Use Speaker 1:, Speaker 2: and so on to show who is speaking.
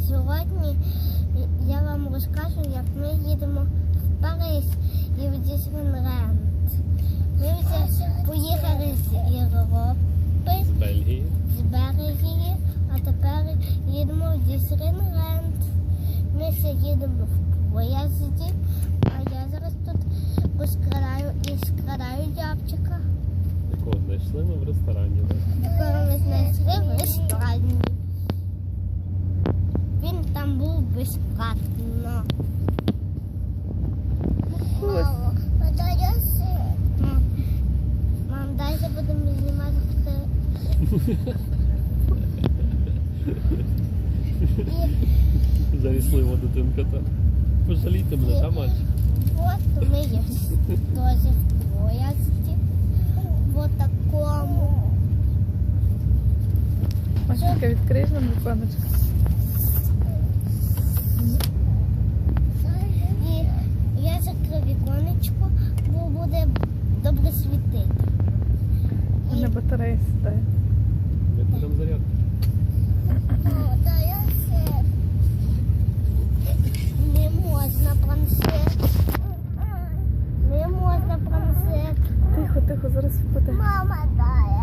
Speaker 1: Сьогодні я вам розкажу, як ми їдемо в Париж і в Діснейленд. Ми вже поїхали з Європи, з Бельгії, а тепер їдемо в Діснейленд. Ми ще їдемо в поїзді, а я зараз тут складаю дябчика.
Speaker 2: Якого знайшли ми в ресторані, так?
Speaker 1: Якого ми знайшли в ресторані. Він там був безплатно. Мам, далі будемо знімати.
Speaker 2: Заріслива дитинка та. Пожалійте мене, та мальчик?
Speaker 1: Вот ми є теж в поїзді. Вот такому.
Speaker 3: Машенька, відкриєш нам віконечко?
Speaker 1: І я закрив віконечко, бо буде добре світити.
Speaker 3: У мене батарея сідає.
Speaker 2: Ми будемо зарядку.
Speaker 1: Не можна планшет. Не можна планшет.
Speaker 3: Тихо, тихо, зараз впаде.
Speaker 1: Мама, дай.